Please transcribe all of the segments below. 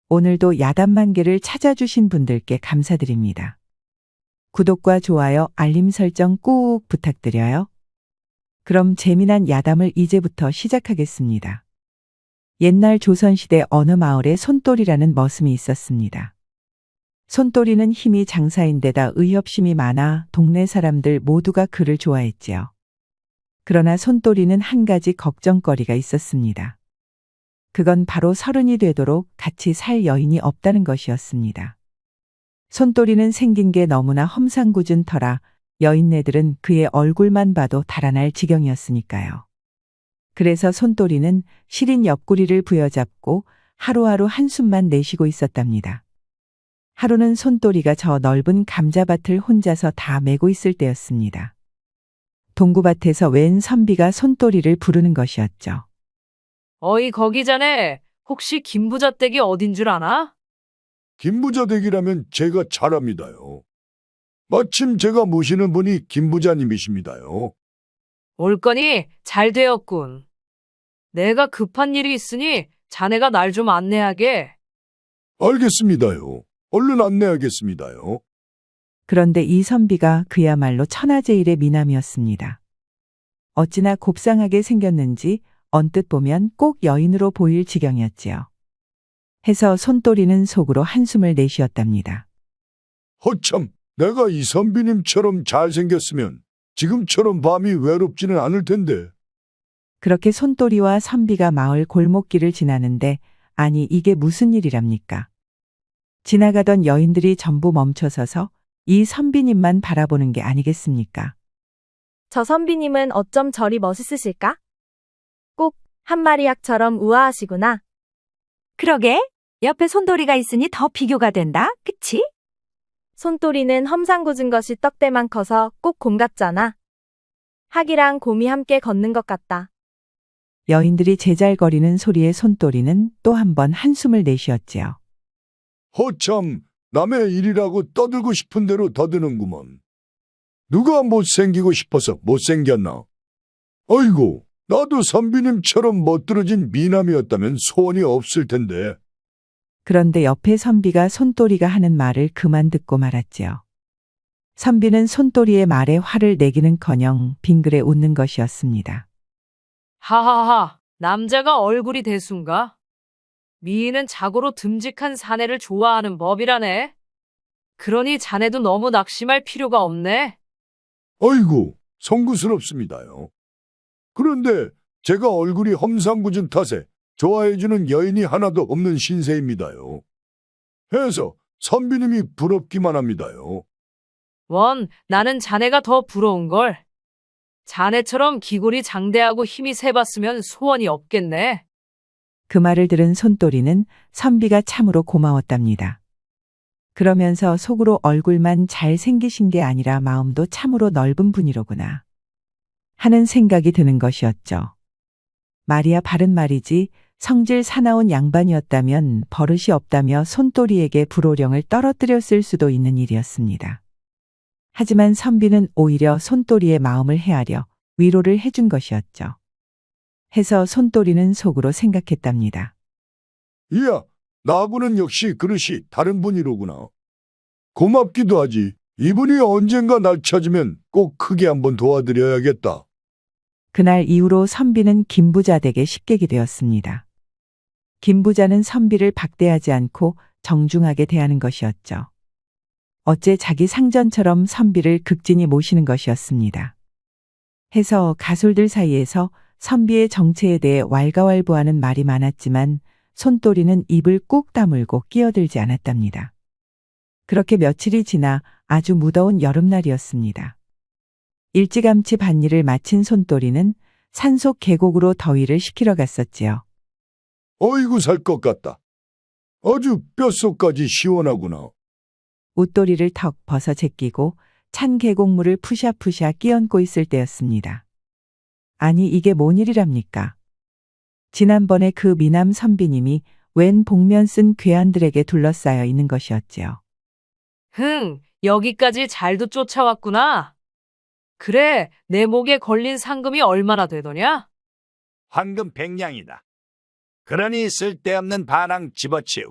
오늘도 야단만개를 찾아주신 분들께 감사드립니다. 구독과 좋아요, 알림 설정 꾹 부탁드려요. 그럼 재미난 야담을 이제부터 시작하겠습니다. 옛날 조선시대 어느 마을에 손돌이라는 머슴이 있었습니다. 손돌이는 힘이 장사인데다 의협심이 많아 동네 사람들 모두가 그를 좋아했지요. 그러나 손돌이는 한 가지 걱정거리가 있었습니다. 그건 바로 30이 되도록 같이 살 여인이 없다는 것이었습니다. 손돌이는 생긴 게 너무나 험상궂은 터라 여인네들은 그의 얼굴만 봐도 달아날 지경이었으니까요. 그래서 손돌이는 시린 옆구리를 부여잡고 하루하루 한숨만 내쉬고 있었답니다. 하루는 손돌이가 저 넓은 감자밭을 혼자서 다 메고 있을 때였습니다. 동구밭에서 웬 선비가 손돌이를 부르는 것이었죠. 어이 거기 자네 혹시 김부자댁이 어딘 줄 아나? 김부자댁이라면 제가 잘 압니다요. 마침 제가 모시는 분이 김부자님이십니다요. 올 거니 잘 되었군. 내가 급한 일이 있으니 자네가 날 좀 안내하게. 알겠습니다요. 얼른 안내하겠습니다요. 그런데 이 선비가 그야말로 천하제일의 미남이었습니다. 어찌나 곱상하게 생겼는지 언뜻 보면 꼭 여인으로 보일 지경이었지요. 해서 손돌이는 속으로 한숨을 내쉬었답니다. 허참, 내가 이 선비님처럼 잘생겼으면 지금처럼 밤이 외롭지는 않을 텐데. 그렇게 손돌이와 선비가 마을 골목길을 지나는데 아니 이게 무슨 일이랍니까? 지나가던 여인들이 전부 멈춰서서 이 선비님만 바라보는 게 아니겠습니까? 저 선비님은 어쩜 저리 멋있으실까? 꼭 한마리 약처럼 우아하시구나. 그러게, 옆에 손돌이가 있으니 더 비교가 된다, 그치? 손돌이는 험상궂은 것이 떡대만 커서 꼭 곰 같잖아. 학이랑 곰이 함께 걷는 것 같다. 여인들이 제잘거리는 소리에 손돌이는 또 한 번 한숨을 내쉬었지요. 허참, 남의 일이라고 떠들고 싶은 대로 더드는구먼. 누가 못생기고 싶어서 못생겼나? 아이고, 나도 선비님처럼 멋들어진 미남이었다면 소원이 없을 텐데. 그런데 옆에 선비가 손돌이가 하는 말을 그만 듣고 말았지요. 선비는 손돌이의 말에 화를 내기는커녕 빙그레 웃는 것이었습니다. 하하하, 남자가 얼굴이 대수인가? 미인은 자고로 듬직한 사내를 좋아하는 법이라네. 그러니 자네도 너무 낙심할 필요가 없네. 아이고, 송구스럽습니다요. 그런데 제가 얼굴이 험상궂은 탓에 좋아해주는 여인이 하나도 없는 신세입니다요. 해서 선비님이 부럽기만 합니다요. 나는 자네가 더 부러운걸. 자네처럼 기골이 장대하고 힘이 세봤으면 소원이 없겠네. 그 말을 들은 손돌이는 선비가 참으로 고마웠답니다. 그러면서 속으로 얼굴만 잘생기신 게 아니라 마음도 참으로 넓은 분이로구나 하는 생각이 드는 것이었죠. 말이야 바른 말이지 성질 사나운 양반이었다면 버릇이 없다며 손돌이에게 불호령을 떨어뜨렸을 수도 있는 일이었습니다. 하지만 선비는 오히려 손돌이의 마음을 헤아려 위로를 해준 것이었죠. 해서 손돌이는 속으로 생각했답니다. 이야, 나하고는 역시 그릇이 다른 분이로구나. 고맙기도 하지. 이분이 언젠가 날 찾으면 꼭 크게 한번 도와드려야겠다. 그날 이후로 선비는 김부자댁의 식객이 되었습니다. 김부자는 선비를 박대하지 않고 정중하게 대하는 것이었죠. 어째 자기 상전처럼 선비를 극진히 모시는 것이었습니다. 해서 가솔들 사이에서 선비의 정체에 대해 왈가왈부하는 말이 많았지만 손돌이는 입을 꾹 다물고 끼어들지 않았답니다. 그렇게 며칠이 지나 아주 무더운 여름날이었습니다. 일찌감치 밭일을 마친 손돌이는 산속 계곡으로 더위를 식히러 갔었지요. 어이구 살 것 같다. 아주 뼛속까지 시원하구나. 웃도리를 턱 벗어 제끼고 찬 계곡물을 푸샤푸샤 끼얹고 있을 때였습니다. 아니 이게 뭔 일이랍니까? 지난번에 그 미남 선비님이 웬 복면 쓴 괴한들에게 둘러싸여 있는 것이었지요. 여기까지 잘도 쫓아왔구나. 그래, 내 목에 걸린 상금이 얼마나 되더냐? 황금 100냥이다. 그러니 쓸데없는 반항 집어치우고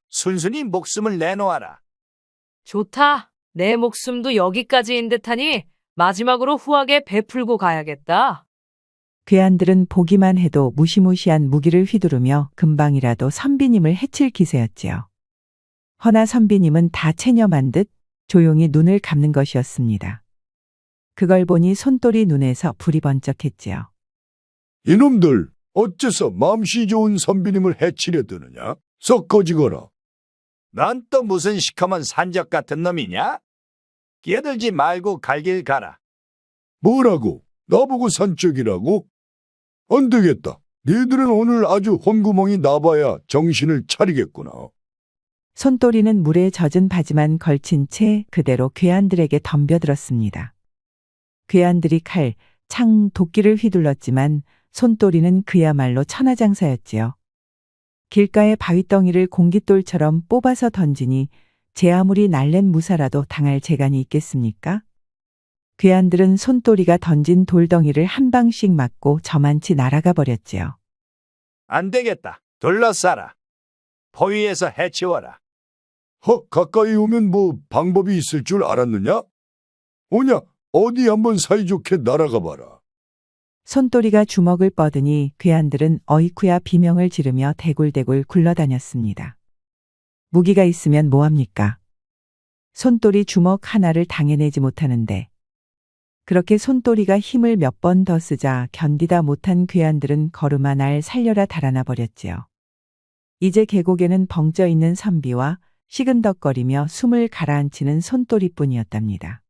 순순히 목숨을 내놓아라. 좋다. 내 목숨도 여기까지인 듯하니 마지막으로 후하게 베풀고 가야겠다. 괴한들은 보기만 해도 무시무시한 무기를 휘두르며 금방이라도 선비님을 해칠 기세였지요. 허나 선비님은 다 체념한 듯 조용히 눈을 감는 것이었습니다. 그걸 보니 손돌이 눈에서 불이 번쩍했지요. 이놈들 어째서 맘씨 좋은 선비님을 해치려 드느냐? 썩 꺼지거라. 넌 또 무슨 시커먼 산적 같은 놈이냐? 끼어들지 말고 갈 길 가라. 뭐라고? 나보고 산적이라고? 안 되겠다. 니들은 오늘 아주 혼구멍이 나봐야 정신을 차리겠구나. 손돌이는 물에 젖은 바지만 걸친 채 그대로 괴한들에게 덤벼들었습니다. 괴한들이 칼, 창, 도끼를 휘둘렀지만 손돌이는 그야말로 천하장사였지요. 길가의 바위덩이를 공깃돌처럼 뽑아서 던지니 제 아무리 날랜 무사라도 당할 재간이 있겠습니까? 괴한들은 손돌이가 던진 돌덩이를 한 방씩 맞고 저만치 날아가 버렸지요. 안 되겠다. 둘러싸라. 포위해서 해치워라. 가까이 오면 뭐 방법이 있을 줄 알았느냐? 오냐, 어디 한번 사이좋게 날아가 봐라. 손돌이가 주먹을 뻗으니 괴한들은 어이쿠야 비명을 지르며 대굴대굴 굴러다녔습니다. 무기가 있으면 뭐합니까? 손돌이 주먹 하나를 당해내지 못하는데. 그렇게 손돌이가 힘을 몇 번 더 쓰자 견디다 못한 괴한들은 걸음아 날 살려라 달아나 버렸지요. 이제 계곡에는 벙쪄 있는 선비와 시근덕거리며 숨을 가라앉히는 손돌이뿐이었답니다.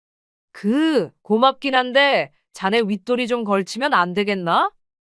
고맙긴 한데 자네 윗돌이 좀 걸치면 안 되겠나?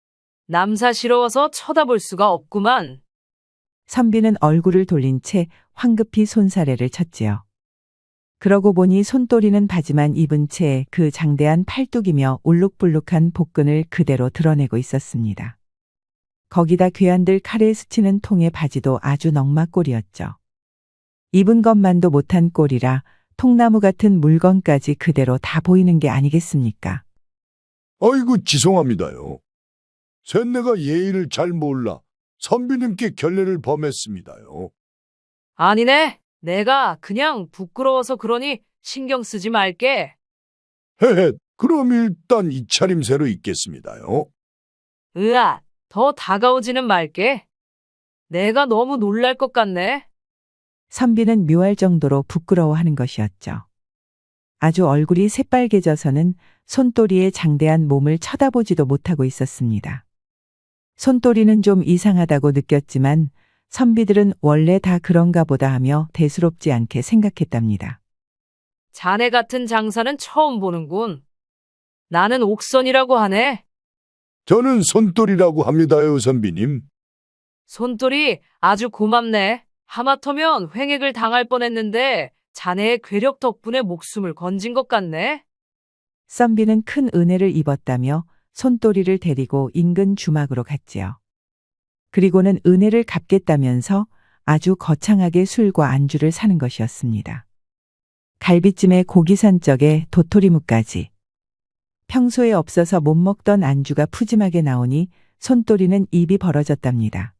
남사스러워서 쳐다볼 수가 없구만. 선비는 얼굴을 돌린 채 황급히 손사래를 쳤지요. 그러고 보니 손돌이는 바지만 입은 채 그 장대한 팔뚝이며 울룩불룩한 복근을 그대로 드러내고 있었습니다. 거기다 괴한들 칼에 스치는 통의 바지도 아주 넉마꼴이었죠. 입은 것만도 못한 꼴이라 통나무 같은 물건까지 그대로 다 보이는 게 아니겠습니까? 아이고 죄송합니다요. 셋내가 예의를 잘 몰라 선비님께 결례를 범했습니다요. 아니네. 내가 그냥 부끄러워서 그러니 신경 쓰지 말게. 헤헤, 그럼 일단 이 차림새로 있겠습니다요. 으아, 더 다가오지는 말게. 내가 너무 놀랄 것 같네. 선비는 묘할 정도로 부끄러워하는 것이었죠. 아주 얼굴이 새빨개져서는 손돌이의 장대한 몸을 쳐다보지도 못하고 있었습니다. 손돌이는 좀 이상하다고 느꼈지만 선비들은 원래 다 그런가 보다 하며 대수롭지 않게 생각했답니다. 자네 같은 장사는 처음 보는군. 나는 옥선이라고 하네. 저는 손돌이라고 합니다요, 선비님. 손돌이 아주 고맙네. 하마터면 횡액을 당할 뻔했는데 자네의 괴력 덕분에 목숨을 건진 것 같네. 선비는 큰 은혜를 입었다며 손돌이를 데리고 인근 주막으로 갔지요. 그리고는 은혜를 갚겠다면서 아주 거창하게 술과 안주를 사는 것이었습니다. 갈비찜에 고기산적에 도토리묵까지. 평소에 없어서 못 먹던 안주가 푸짐하게 나오니 손돌이는 입이 벌어졌답니다.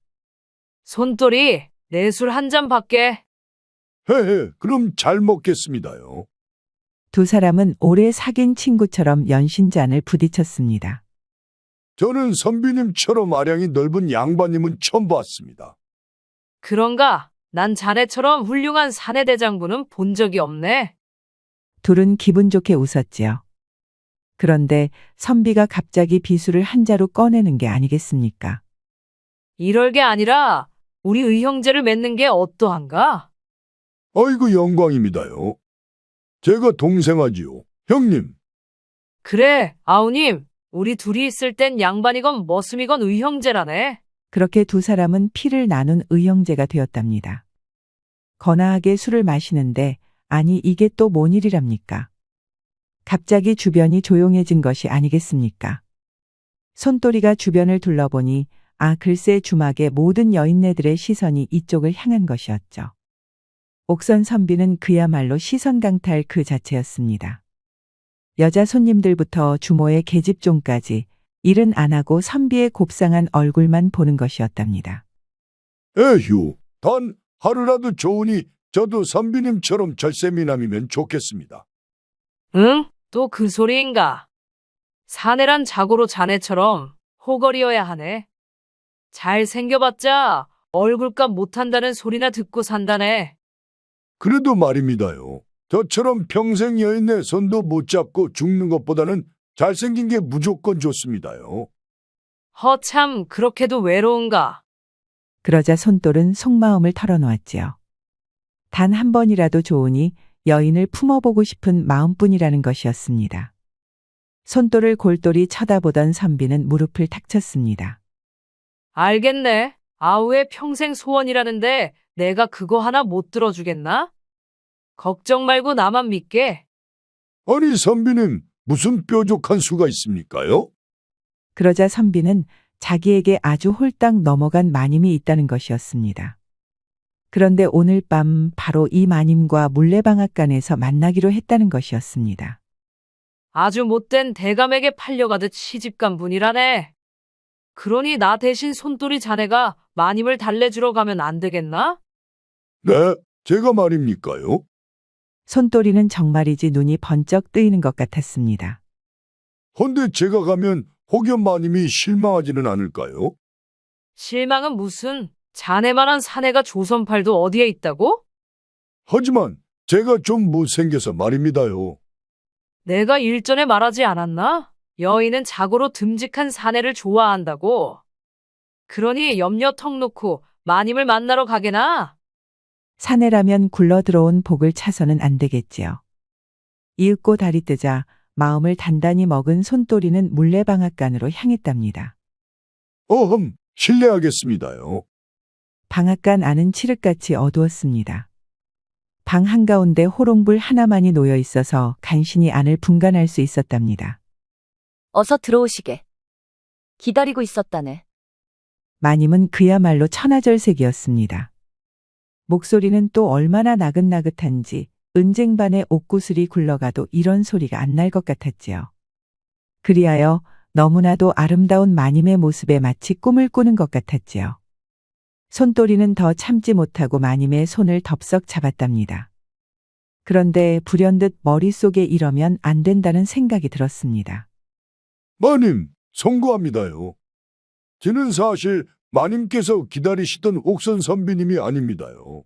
손돌이, 내 술 한 잔 받게. 헤헤, 그럼 잘 먹겠습니다요. 두 사람은 오래 사귄 친구처럼 연신잔을 부딪혔습니다. 저는 선비님처럼 아량이 넓은 양반님은 처음 봤습니다. 그런가? 난 자네처럼 훌륭한 사내대장부는 본 적이 없네. 둘은 기분 좋게 웃었지요. 그런데 선비가 갑자기 비수를 한 자루 꺼내는 게 아니겠습니까? 이럴 게 아니라 우리 의형제를 맺는 게 어떠한가? 아이고 영광입니다요. 제가 동생하지요. 형님. 그래, 아우님. 우리 둘이 있을 땐 양반이건 머슴이건 의형제라네. 그렇게 두 사람은 피를 나눈 의형제가 되었답니다. 거나하게 술을 마시는데 아니 이게 또 뭔 일이랍니까? 갑자기 주변이 조용해진 것이 아니겠습니까? 손돌이가 주변을 둘러보니 글새 주막의 모든 여인네들의 시선이 이쪽을 향한 것이었죠. 옥선 선비는 그야말로 시선 강탈 그 자체였습니다. 여자 손님들부터 주모의 계집종까지 일은 안 하고 선비의 곱상한 얼굴만 보는 것이었답니다. 에휴, 단 하루라도 좋으니 저도 선비님처럼 절세미남이면 좋겠습니다. 응? 또 그 소리인가? 사내란 자고로 자네처럼 호걸이어야 하네. 잘 생겨봤자 얼굴값 못한다는 소리나 듣고 산다네. 그래도 말입니다요. 저처럼 평생 여인의 손도 못 잡고 죽는 것보다는 잘생긴 게 무조건 좋습니다요. 허참 그렇게도 외로운가? 그러자 손돌은 속마음을 털어놓았지요. 단 한 번이라도 좋으니 여인을 품어보고 싶은 마음뿐이라는 것이었습니다. 손돌을 골똘히 쳐다보던 선비는 무릎을 탁 쳤습니다. 알겠네. 아우의 평생 소원이라는데 내가 그거 하나 못 들어주겠나? 걱정 말고 나만 믿게. 아니 선비님 무슨 뾰족한 수가 있습니까요? 그러자 선비는 자기에게 아주 홀딱 넘어간 마님이 있다는 것이었습니다. 그런데 오늘 밤 바로 이 마님과 물레방앗간에서 만나기로 했다는 것이었습니다. 아주 못된 대감에게 팔려가듯 시집간 분이라네. 그러니 나 대신 손돌이 자네가 마님을 달래주러 가면 안 되겠나? 네, 제가 말입니까요? 손돌이는 정말이지 눈이 번쩍 뜨이는 것 같았습니다. 헌데 제가 가면 혹여 마님이 실망하지는 않을까요? 실망은 무슨, 자네만한 사내가 조선팔도 어디에 있다고? 하지만 제가 좀 못생겨서 말입니다요. 내가 일전에 말하지 않았나? 여인은 자고로 듬직한 사내를 좋아한다고. 그러니 염려 턱 놓고 마님을 만나러 가게나. 사내라면 굴러 들어온 복을 차서는 안 되겠지요. 이윽고 달이 뜨자 마음을 단단히 먹은 손돌이는 물레방앗간으로 향했답니다. 어흠, 실례하겠습니다요. 방앗간 안은 칠흑같이 어두웠습니다. 방 한가운데 호롱불 하나만이 놓여 있어서 간신히 안을 분간할 수 있었답니다. 어서 들어오시게. 기다리고 있었다네. 마님은 그야말로 천하절색이었습니다. 목소리는 또 얼마나 나긋나긋한지 은쟁반에 옥구슬이 굴러가도 이런 소리가 안 날 것 같았지요. 그리하여 너무나도 아름다운 마님의 모습에 마치 꿈을 꾸는 것 같았지요. 손돌이는 더 참지 못하고 마님의 손을 덥석 잡았답니다. 그런데 불현듯 머릿속에 이러면 안 된다는 생각이 들었습니다. 마님, 송구합니다요. 저는 사실 마님께서 기다리시던 옥선 선비님이 아닙니다요.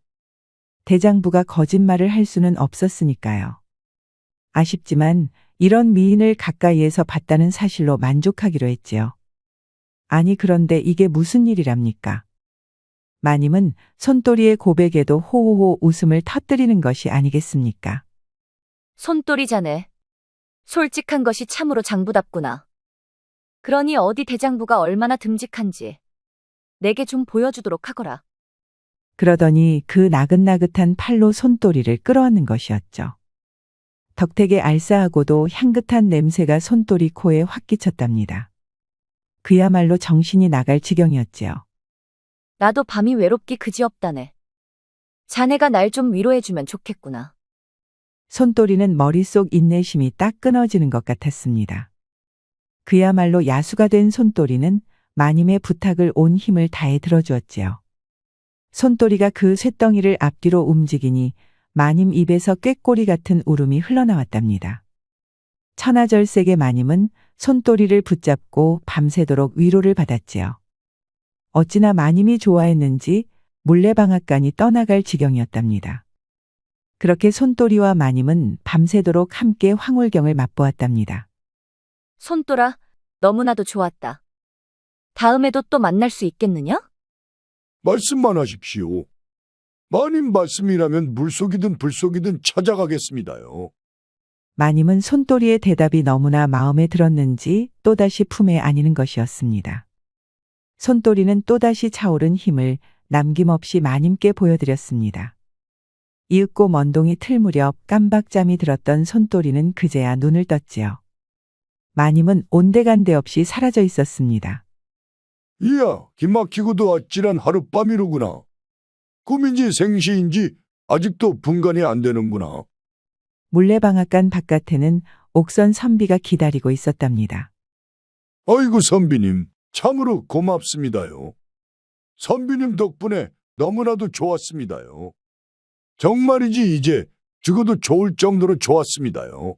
대장부가 거짓말을 할 수는 없었으니까요. 아쉽지만 이런 미인을 가까이에서 봤다는 사실로 만족하기로 했지요. 아니 그런데 이게 무슨 일이랍니까? 마님은 손돌이의 고백에도 호호호 웃음을 터뜨리는 것이 아니겠습니까? 손돌이 자네. 솔직한 것이 참으로 장부답구나. 그러니 어디 대장부가 얼마나 듬직한지 내게 좀 보여주도록 하거라. 그러더니 그 나긋나긋한 팔로 손돌이를 끌어안는 것이었죠. 덕택의 알싸하고도 향긋한 냄새가 손돌이 코에 확 끼쳤답니다. 그야말로 정신이 나갈 지경이었지요. 나도 밤이 외롭기 그지없다네. 자네가 날 좀 위로해주면 좋겠구나. 손돌이는 머릿속 인내심이 딱 끊어지는 것 같았습니다. 그야말로 야수가 된 손돌이는 마님의 부탁을 온 힘을 다해 들어주었지요. 손돌이가 그 쇳덩이를 앞뒤로 움직이니 마님 입에서 꾀꼬리 같은 울음이 흘러나왔답니다. 천하절색의 마님은 손돌이를 붙잡고 밤새도록 위로를 받았지요. 어찌나 마님이 좋아했는지 물레방앗간이 떠나갈 지경이었답니다. 그렇게 손돌이와 마님은 밤새도록 함께 황홀경을 맛보았답니다. 손돌아, 너무나도 좋았다. 다음에도 또 만날 수 있겠느냐? 말씀만 하십시오. 마님 말씀이라면 물속이든 불속이든 찾아가겠습니다요. 마님은 손돌이의 대답이 너무나 마음에 들었는지 또다시 품에 안이는 것이었습니다. 손돌이는 또다시 차오른 힘을 남김없이 마님께 보여드렸습니다. 이윽고 먼동이 틀 무렵 깜박잠이 들었던 손돌이는 그제야 눈을 떴지요. 마님은 온데간데 없이 사라져 있었습니다. 이야, 기막히고도 아찔한 하룻밤이로구나. 꿈인지 생시인지 아직도 분간이 안 되는구나. 물레방앗간 바깥에는 옥선 선비가 기다리고 있었답니다. 아이고 선비님, 참으로 고맙습니다요. 선비님 덕분에 너무나도 좋았습니다요. 정말이지 이제 죽어도 좋을 정도로 좋았습니다요.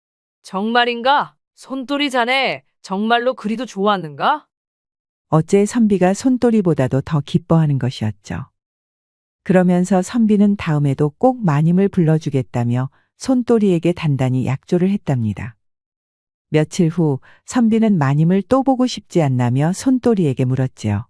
정말인가? 손돌이 자네 정말로 그리도 좋았는가? 어째 선비가 손돌이보다도 더 기뻐하는 것이었죠. 그러면서 선비는 다음에도 꼭 마님을 불러주겠다며 손돌이에게 단단히 약조를 했답니다. 며칠 후 선비는 마님을 또 보고 싶지 않나며 손돌이에게 물었지요.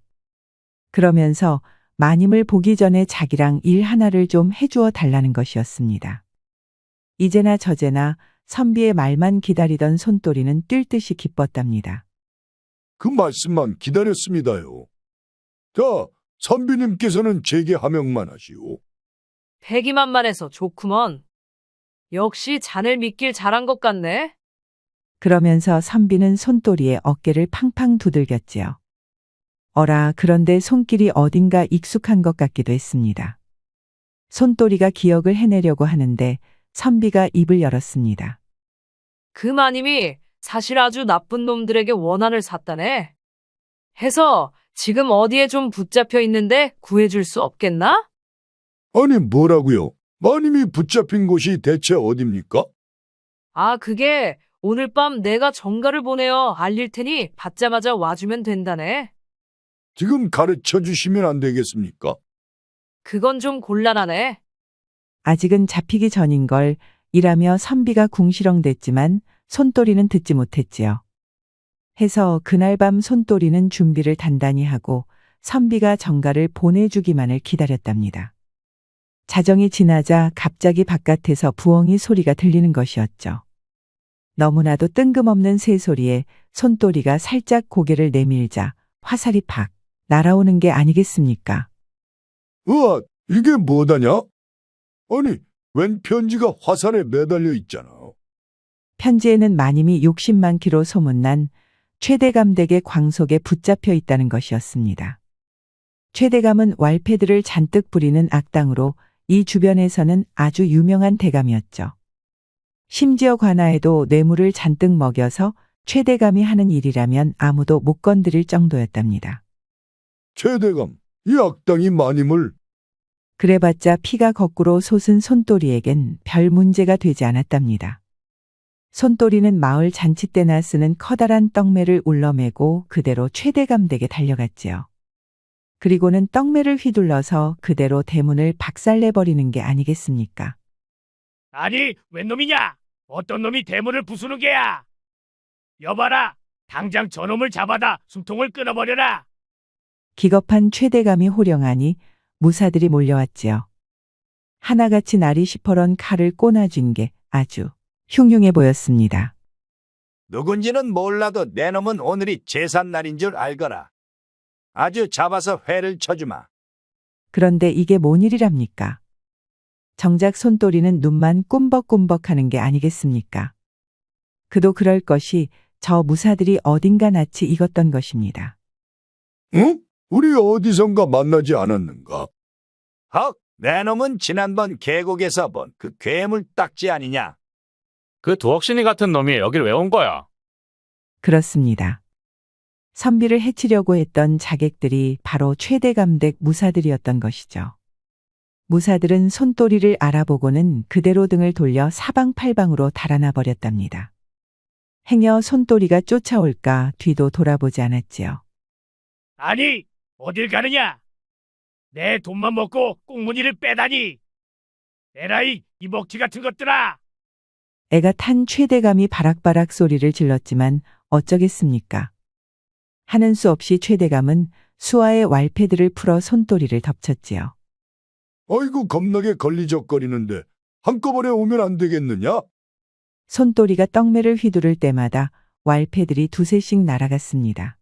그러면서 마님을 보기 전에 자기랑 일 하나를 좀 해주어 달라는 것이었습니다. 이제나 저제나 선비의 말만 기다리던 손돌이는 뛸 듯이 기뻤답니다. 그 말씀만 기다렸습니다요. 자, 선비님께서는 제게 하명만 하시오. 패기만만해서 좋구먼. 역시 자넬 믿길 잘한 것 같네. 그러면서 선비는 손돌이의 어깨를 팡팡 두들겼지요. 어라, 그런데 손길이 어딘가 익숙한 것 같기도 했습니다. 손돌이가 기억을 해내려고 하는데 선비가 입을 열었습니다. 그 마님이 사실 아주 나쁜 놈들에게 원한을 샀다네. 해서 지금 어디에 좀 붙잡혀 있는데 구해줄 수 없겠나? 아니, 뭐라고요? 마님이 붙잡힌 곳이 대체 어딥니까? 아, 그게 오늘 밤 내가 정가를 보내어 알릴 테니 받자마자 와주면 된다네. 지금 가르쳐 주시면 안 되겠습니까? 그건 좀 곤란하네. 아직은 잡히기 전인 걸 이라며 선비가 궁시렁댔지만 손돌이는 듣지 못했지요. 해서 그날 밤 손돌이는 준비를 단단히 하고 선비가 정가를 보내주기만을 기다렸답니다. 자정이 지나자 갑자기 바깥에서 부엉이 소리가 들리는 것이었죠. 너무나도 뜬금없는 새소리에 손돌이가 살짝 고개를 내밀자 화살이 팍 날아오는 게 아니겠습니까? 으아, 이게 뭐다냐? 아니, 웬 편지가 화살에 매달려 있잖아. 편지에는 마님이 욕심 많기로 소문난 최대감 댁의 광속에 붙잡혀 있다는 것이었습니다. 최대감은 왈패들을 잔뜩 부리는 악당으로 이 주변에서는 아주 유명한 대감이었죠. 심지어 관아에도 뇌물을 잔뜩 먹여서 최대감이 하는 일이라면 아무도 못 건드릴 정도였답니다. 최대감, 이 악당이 마님을. 그래봤자 피가 거꾸로 솟은 손돌이에겐 별 문제가 되지 않았답니다. 손돌이는 마을 잔치 때나 쓰는 커다란 떡매를 울러매고 그대로 최대감 댁에 달려갔지요. 그리고는 떡매를 휘둘러서 그대로 대문을 박살내버리는 게 아니겠습니까? 아니, 웬 놈이냐? 어떤 놈이 대문을 부수는 게야? 여봐라, 당장 저놈을 잡아다 숨통을 끊어버려라. 기겁한 최대감이 호령하니 무사들이 몰려왔지요. 하나같이 날이 시퍼런 칼을 꼬나쥔 게 아주 흉흉해 보였습니다. 누군지는 몰라도 내 놈은 오늘이 제삿날인 줄 알거라. 아주 잡아서 회를 쳐주마. 그런데 이게 뭔 일이랍니까? 정작 손돌이는 눈만 꿈벅꿈벅 하는 게 아니겠습니까? 그도 그럴 것이 저 무사들이 어딘가 낯이 익었던 것입니다. 응? 우리 어디선가 만나지 않았는가? 헉, 내 놈은 지난번 계곡에서 본 그 괴물 딱지 아니냐? 그 두억신이 같은 놈이 여길 왜 온 거야? 그렇습니다. 선비를 해치려고 했던 자객들이 바로 최대감 댁 무사들이었던 것이죠. 무사들은 손돌이를 알아보고는 그대로 등을 돌려 사방팔방으로 달아나 버렸답니다. 행여 손돌이가 쫓아올까 뒤도 돌아보지 않았지요. 아니, 어딜 가느냐? 내 돈만 먹고 꽁무니를 빼다니. 에라이, 이 먹튀 같은 것들아. 애가 탄 최대감이 바락바락 소리를 질렀지만 어쩌겠습니까? 하는 수 없이 최대감은 수아의 왈패들을 풀어 손돌이를 덮쳤지요. 아이고, 겁나게 걸리적거리는데 한꺼번에 오면 안 되겠느냐? 손돌이가 떡매를 휘두를 때마다 왈패들이 두세씩 날아갔습니다.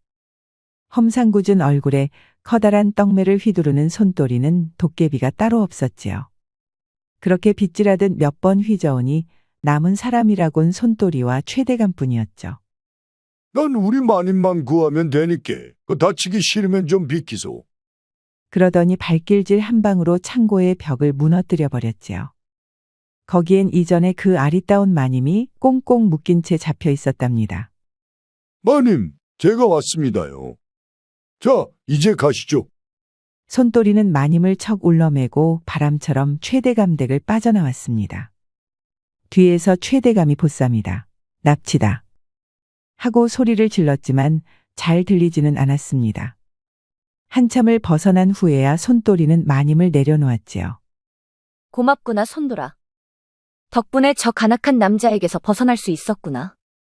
험상궂은 얼굴에 커다란 떡매를 휘두르는 손돌이는 도깨비가 따로 없었지요. 그렇게 빗질하듯 몇 번 휘저으니 남은 사람이라곤 손돌이와 최대감뿐이었죠. 난 우리 마님만 구하면 되니께 그 다치기 싫으면 좀 비키소. 그러더니 발길질 한 방으로 창고의 벽을 무너뜨려 버렸지요. 거기엔 이전에 그 아리따운 마님이 꽁꽁 묶인 채 잡혀 있었답니다. 마님, 제가 왔습니다요. 자, 이제 가시죠. 손또리는 마님을 척 울러매고 바람처럼 최대감댁을 빠져나왔습니다. 뒤에서 최대감이 보쌈이다. 납치다. 하고 소리를 질렀지만 잘 들리지는 않았습니다. 한참을 벗어난 후에야 손또리는 마님을 내려놓았지요. 고맙구나, 손돌아. 덕분에 저 간악한 남자에게서 벗어날 수 있었구나.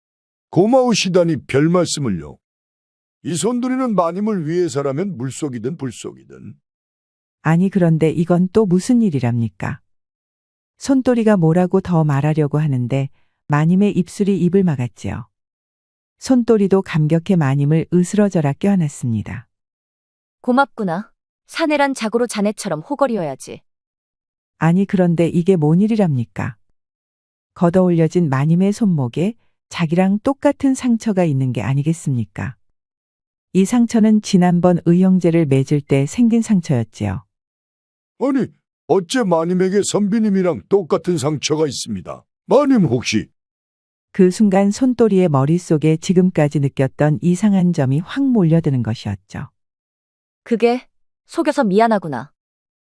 고마우시다니 별 말씀을요. 이 손들이는 마님을 위해서라면 물속이든 불속이든. 아니 그런데 이건 또 무슨 일이랍니까? 손또리가 뭐라고 더 말하려고 하는데 마님의 입술이 입을 막았지요. 손또리도 감격해 마님을 으스러져라 껴안았습니다. 고맙구나. 사내란 자고로 자네처럼 호걸이어야지. 아니 그런데 이게 뭔 일이랍니까? 걷어올려진 마님의 손목에 자기랑 똑같은 상처가 있는 게 아니겠습니까? 이 상처는 지난번 의형제를 맺을 때 생긴 상처였지요. 아니, 어째 마님에게 선비님이랑 똑같은 상처가 있습니다. 마님 혹시 그 순간 손또리의 머릿속에 지금까지 느꼈던 이상한 점이 확 몰려드는 것이었죠. 그게 속여서 미안하구나.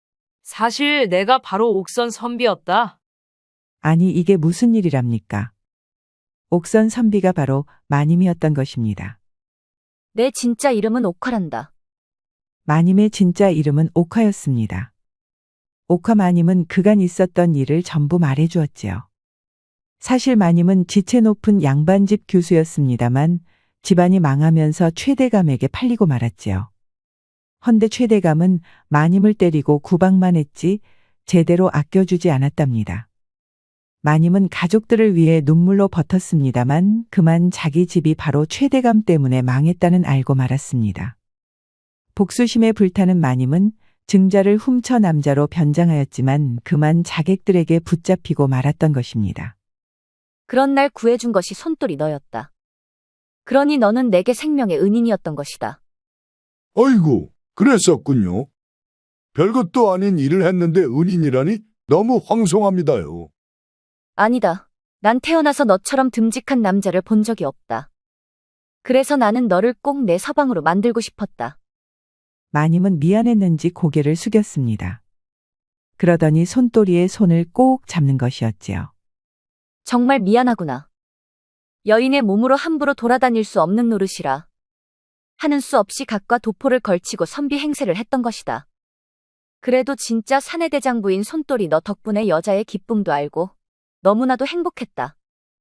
사실 내가 바로 옥선 선비였다. 아니 이게 무슨 일이랍니까? 옥선 선비가 바로 마님이었던 것입니다. 내 진짜 이름은 옥화란다. 마님의 진짜 이름은 옥화였습니다. 옥화 마님은 그간 있었던 일을 전부 말해주었지요. 사실 마님은 지체 높은 양반집 교수였습니다만 집안이 망하면서 최대감에게 팔리고 말았지요. 헌데 최대감은 마님을 때리고 구박만 했지 제대로 아껴주지 않았답니다. 마님은 가족들을 위해 눈물로 버텼습니다만 그만 자기 집이 바로 최대감 때문에 망했다는 알고 말았습니다. 복수심에 불타는 마님은 증자를 훔쳐 남자로 변장하였지만 그만 자객들에게 붙잡히고 말았던 것입니다. 그런 날 구해준 것이 손돌이 너였다. 그러니 너는 내게 생명의 은인이었던 것이다. 아이고, 그랬었군요. 별것도 아닌 일을 했는데 은인이라니 너무 황송합니다요. 아니다. 난 태어나서 너처럼 듬직한 남자를 본 적이 없다. 그래서 나는 너를 꼭 내 서방으로 만들고 싶었다. 마님은 미안했는지 고개를 숙였습니다. 그러더니 손또리의 손을 꼭 잡는 것이었지요. 정말 미안하구나. 여인의 몸으로 함부로 돌아다닐 수 없는 노릇이라. 하는 수 없이 각과 도포를 걸치고 선비 행세를 했던 것이다. 그래도 진짜 사내대장부인 손돌이 너 덕분에 여자의 기쁨도 알고 너무나도 행복했다.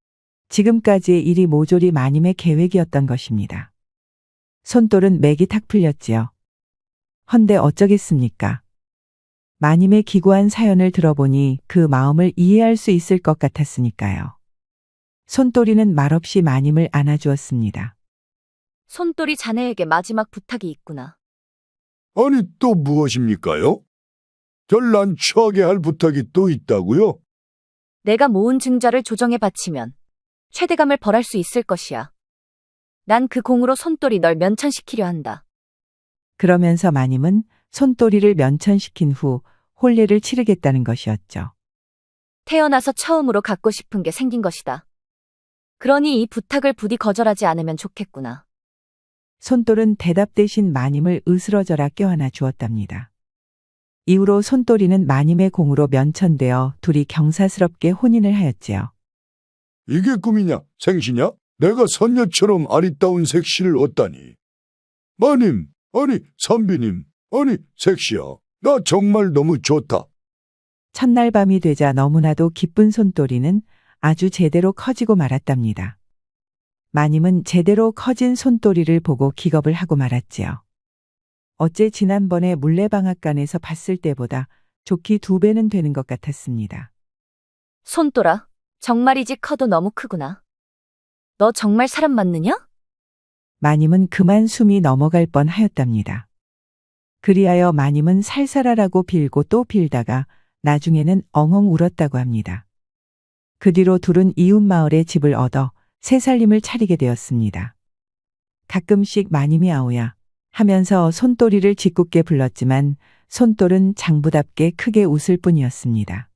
지금까지의 일이 모조리 마님의 계획이었던 것입니다. 손돌은 맥이 탁 풀렸지요. 헌데 어쩌겠습니까? 마님의 기구한 사연을 들어보니 그 마음을 이해할 수 있을 것 같았으니까요. 손돌이는 말없이 마님을 안아주었습니다. 손돌이 자네에게 마지막 부탁이 있구나. 아니 또 무엇입니까요? 절 난처하게 할 부탁이 또 있다고요? 내가 모은 증자를 조정에 바치면 최대감을 벌할 수 있을 것이야. 난 그 공으로 손돌이 널 면천시키려 한다. 그러면서 마님은 손또리를 면천시킨 후 혼례를 치르겠다는 것이었죠. 태어나서 처음으로 갖고 싶은 게 생긴 것이다. 그러니 이 부탁을 부디 거절하지 않으면 좋겠구나. 손돌은 대답 대신 마님을 으스러져라 껴안아 주었답니다. 이후로 손또리는 마님의 공으로 면천되어 둘이 경사스럽게 혼인을 하였지요. 이게 꿈이냐 생시냐? 내가 선녀처럼 아리따운 색시를 얻다니. 마님, 아니 선비님, 아니 색시야. 나 정말 너무 좋다. 첫날 밤이 되자 너무나도 기쁜 손또리는 아주 제대로 커지고 말았답니다. 마님은 제대로 커진 손또리를 보고 기겁을 하고 말았지요. 어째 지난번에 물레방앗간에서 봤을 때보다 좋기 2배는 되는 것 같았습니다. 손돌아, 정말이지 커도 너무 크구나. 너 정말 사람 맞느냐? 마님은 그만 숨이 넘어갈 뻔하였답니다. 그리하여 마님은 살살하라고 빌고 또 빌다가 나중에는 엉엉 울었다고 합니다. 그 뒤로 둘은 이웃 마을에 집을 얻어 새 살림을 차리게 되었습니다. 가끔씩 마님이 아오야 하면서 손또리를 짓궂게 불렀지만 손돌은 장부답게 크게 웃을 뿐이었습니다.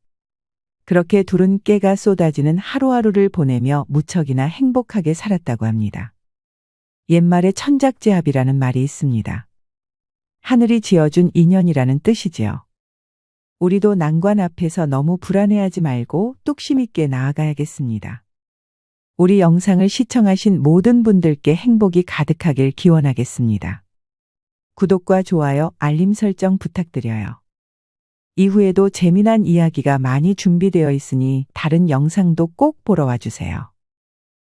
그렇게 둘은 깨가 쏟아지는 하루하루를 보내며 무척이나 행복하게 살았다고 합니다. 옛말에 천작제합이라는 말이 있습니다. 하늘이 지어준 인연이라는 뜻이지요. 우리도 난관 앞에서 너무 불안해하지 말고 뚝심 있게 나아가야겠습니다. 우리 영상을 시청하신 모든 분들께 행복이 가득하길 기원하겠습니다. 구독과 좋아요, 알림 설정 부탁드려요. 이후에도 재미난 이야기가 많이 준비되어 있으니 다른 영상도 꼭 보러 와주세요.